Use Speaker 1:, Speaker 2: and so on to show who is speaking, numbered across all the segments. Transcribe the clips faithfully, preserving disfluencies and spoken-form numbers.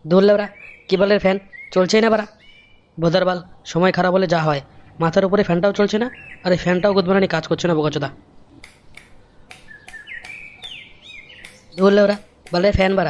Speaker 1: ধরলে ওরা কেবলের ফ্যান চলছেই না বারা। বোধারবাল সময় খারাপ হলে যা হয়, মাথার উপরে ফ্যানটাও চলছে না, আর এই ফ্যানটাও গুদমারানি কাজ করছে না বোকাচোদা। ধরলে ওরা বলে ফ্যান বাড়া।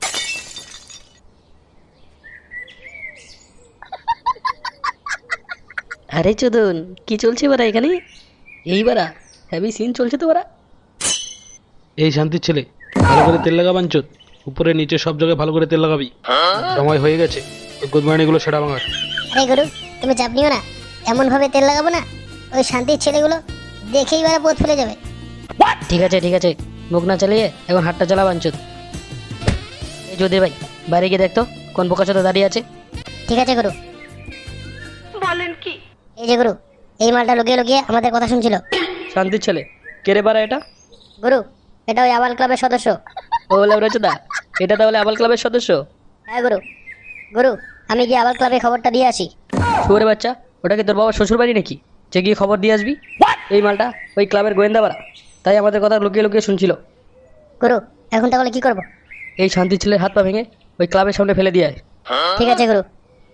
Speaker 1: আরে চোদন, কি চলছে বারা এখানে? এই বারা হ্যাভি সিন চলছে তো বারা।
Speaker 2: এই শান্তির ছেলে, ভালো করে তেল লাগা বাঞ্চত, উপরে নিচে সব জায়গায় ভালো করে তেল লাগাবি। সময় হয়ে গেছে গুদমারানিগুলো সেটা ভাঙার।
Speaker 3: আরে গুরু, তুমি চাপ নিও না, এমন ভাবে তেল লাগাবো না ওই শান্তির ছেলেগুলো দেখেই বারা পোত ফেলে যাবে।
Speaker 1: ঠিক আছে ঠিক আছে, মুখ না চালিয়ে এখন হাতটা চালা বাঞ্চুত। এই যদি ভাই বাইরে গিয়ে দেখতো কোন বোকাচোদা দাঁড়িয়ে আছে।
Speaker 3: ঠিক আছে গুরু। বলেন কি? এই যে গুরু, এই মালটা লুকিয়ে লুকিয়ে আমাদের কথা শুনছিল।
Speaker 1: শান্তির ছেলে, কে রে বারা এটা?
Speaker 3: গুরু, এটা ওই আবাল ক্লাবের সদস্য।
Speaker 1: ও লেবরাচোদা, এটা তাহলে আবাল ক্লাবের সদস্য?
Speaker 3: হ্যাঁ গুরু। গুরু, আমি গিয়ে আবাল ক্লাবে খবরটা দিয়ে আসি।
Speaker 1: শুয়োরে বাচ্চা, ওটা কি তোর বাবার শ্বশুর বাড়ি নাকি যে গিয়ে খবর দিয়ে আসবি? এই মালটা ওই ক্লাবের গোয়েন্দা বাড়া, তাই আমাদের কথা লুকিয়ে লুকিয়ে শুনছিল।
Speaker 3: গুরু, এখন তাহলে কি করব?
Speaker 1: এই শান্তির ছেলের হাত পা ভেঙে ওই ক্লাবের সামনে ফেলে দিয়ে আয়।
Speaker 3: ঠিক আছে গুরু।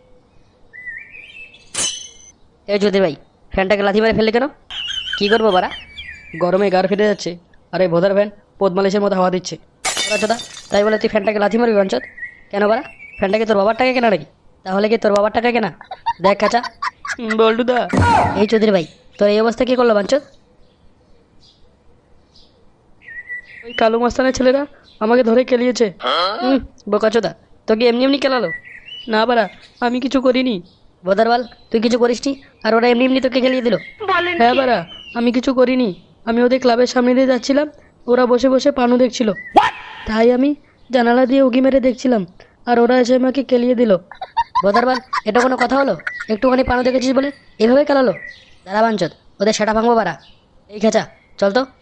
Speaker 1: এই যদি ভাই ফ্যানটাকে লাথি মেরে ফেললে কেন? কি করবো বাড়া, গরমে গার ফেটে যাচ্ছে, আর এই ভোদার ফ্যান পদ্মালিশের মতো হাওয়া দিচ্ছে। চোদা, তাই বলে তুই ফ্যানটাকে লাথি মারবি বাঞ্চত? কেন বাড়া, ফ্যানটাকে তোর বাবার টাকা কেনা নাকি? তাহলে কি তোর বাবার টাকা কেনা? দেখ কাঁচা বল্টুদা। এই চৌধুরী ভাই, তোর এই অবস্থা কি করলো বাঞ্চত? ওই কালু মাস্তানের ছেলেরা আমাকে ধরে কেলিয়েছে। হুম, বোকাচোদা, তোকে এমনি এমনি কেলালো? না বাড়া, আমি কিছু করিনি। বোদারবাল, তুই কিছু করিসনি আর ওরা এমনি এমনি তোকে খেলিয়ে দিল? হ্যাঁ বাড়া, আমি কিছু করিনি। আমি ওদের ক্লাবের সামনে দিয়ে যাচ্ছিলাম, ওরা বসে বসে পানু দেখছিল, তাই আমি জানালা দিয়ে উকি মেরে দেখছিলাম, আর ওরা এসে আমাকে কেলিয়ে দিল। বোদারবাল, এটা কোনো কথা হলো? একটুখানি পানু দেখেছিস বলে এভাবে খেলালো? দাঁড়া বাঞ্চত, ওদের সেটা ভাঙবো বাড়া। এই খেচা, চল তো।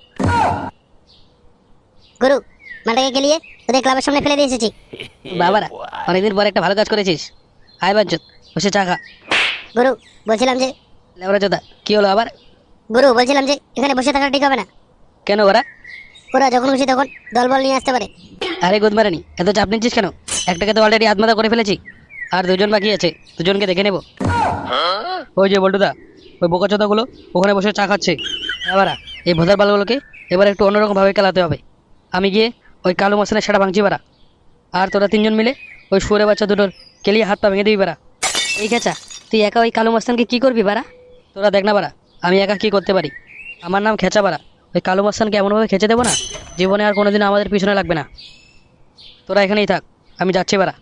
Speaker 3: গুরু, মালটাকে গেলিয়ে ওদের ক্লাবের সামনে ফেলে দিয়ে এসেছি।
Speaker 1: বাবারা, অনেকদিন পর একটা ভালো কাজ করেছিস। আয় বাঞ্চত, বসে চা খা।
Speaker 3: গুরু, বলছিলাম যে
Speaker 1: লেবরা চোদা, কি হলো আবার?
Speaker 3: গুরু বলছিলাম যে এখানে বসে থাকা ঠিক হবে না।
Speaker 1: কেন ওরা?
Speaker 3: ওরা যখন খুশি তখন দলবল নিয়ে আসতে পারে।
Speaker 1: আরে গুদমারানি, এত চাপ নিচ্ছিস কেন? একটাকে তো অলরেডি আত্মহত্যা করে ফেলেছি, আর দুজন বাকি আছে, দুজনকে দেখে নেব। ওই যে বল্টুদা, ওই বোকাচোদাগুলো ওখানে বসে চা খাচ্ছে। এবারা এই ভোদার বালগুলোকে এবার একটু অন্যরকমভাবে খেলাতে হবে। আমি গিয়ে ওই কালো মাসনের সেটা ভাঙছি বারা, আর তোরা তিনজন মিলে ওই শুয়োরে বাচ্চা দুটোর কেলিয়ে হাত পা ভেঙে দিবি বারা। এই খেচা, তুই একা ওই কালো মাস্তানকে কী করবি বারা? তোরা দেখ না বারা, আমি একা কী করতে পারি। আমার নাম খেচা বারা, ওই কালো মাস্তানকে এমনভাবে খেচে দেবো না, জীবনে আর কোনোদিন আমাদের পিছনে লাগবে না। তোরা এখানেই থাক, আমি যাচ্ছি বারা।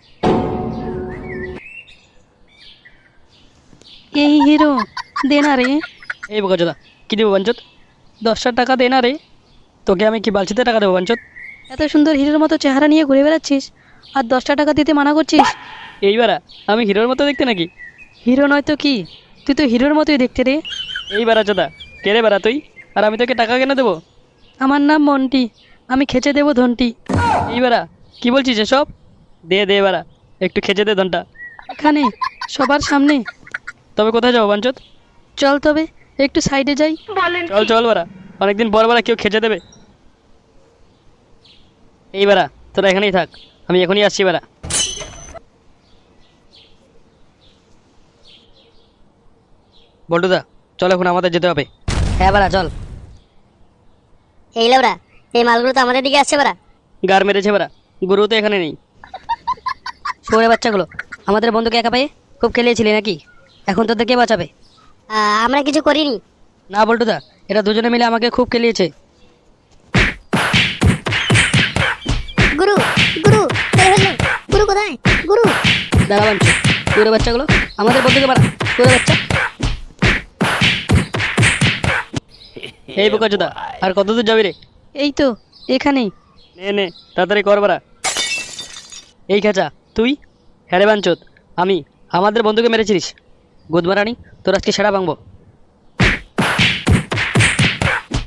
Speaker 4: এই হিরো, দে না রে।
Speaker 1: এই বোকাচোদা, কী দেবো বাঞ্চত? দশটা টাকা দে না রে। তোকে আমি কি বালছিতে টাকা দেবো বাঞ্চত?
Speaker 4: এত সুন্দর হিরোর মতো চেহারা নিয়ে ঘুরে বেড়াচ্ছিস, আর দশটা টাকা দিতে মানা করছিস?
Speaker 1: এইবারা আমি হিরোর মতো দেখতে নাকি?
Speaker 4: হিরো নয় তো কি, তুই তো হিরোর মতোই দেখতে রে।
Speaker 1: এই বারা চোদা, কে রে বারা তুই? আর আমি তোকে টাকা কেন দেবো?
Speaker 4: আমার নাম মন্টি, আমি খেচে দেবো ধনটি।
Speaker 1: এইবারা কি বলছিস এসব? দে দে বারা, একটু খেচে দে ধনটা।
Speaker 4: এখানে সবার সামনে?
Speaker 1: তবে কোথায় যাবো বাঞ্চত?
Speaker 4: চল তবে একটু সাইডে যাই।
Speaker 1: চল চল বারা, অনেকদিন পর বারা কেউ খেচে দেবে। এই বারা, তোরা এখানেই থাক, আমি এখনই আসছি বারা। বল্টুদা, চল এখন আমাদের যেতে হবে।
Speaker 3: হ্যাঁ বাড়া চল। এই লেবরা, এই মালগুলো তো আমাদের দিকে আসছে বাড়া।
Speaker 1: গার মেরেছে বারা, গুরু তো এখানে নেই। শুয়োরে বাচ্চাগুলো আমাদের বন্ধুকে একা পেয়ে খুব খেলিয়েছিলি নাকি? এখন তোদের কে বাঁচাবে?
Speaker 3: আহ, আমরা কিছু করিনি।
Speaker 1: না বল্টুদা, এরা দুজনে মিলে আমাকে খুব খেলিয়েছে।
Speaker 3: গুরু, গুরু, এই হলো। গুরু কোথায়? গুরু।
Speaker 1: দাঁড়া বাঞ্চু, শুয়োরে বাচ্চাগুলো আমাদের বন্ধুকে বাড়া। শুয়োরে বাচ্চা, এই বোকাচোদা, আর কত দূর যাবি রে?
Speaker 4: এই তো এখানেই।
Speaker 1: নে নে, তাড়াতাড়ি কর বাড়া। এই খেচা, তুই? হ্যাঁ রে বাঞ্চোদ, আমি। আমাদের বন্ধুকে মেরেছিলিস। গুদমারানি, তোর আজকে সেরা ভাঙবো।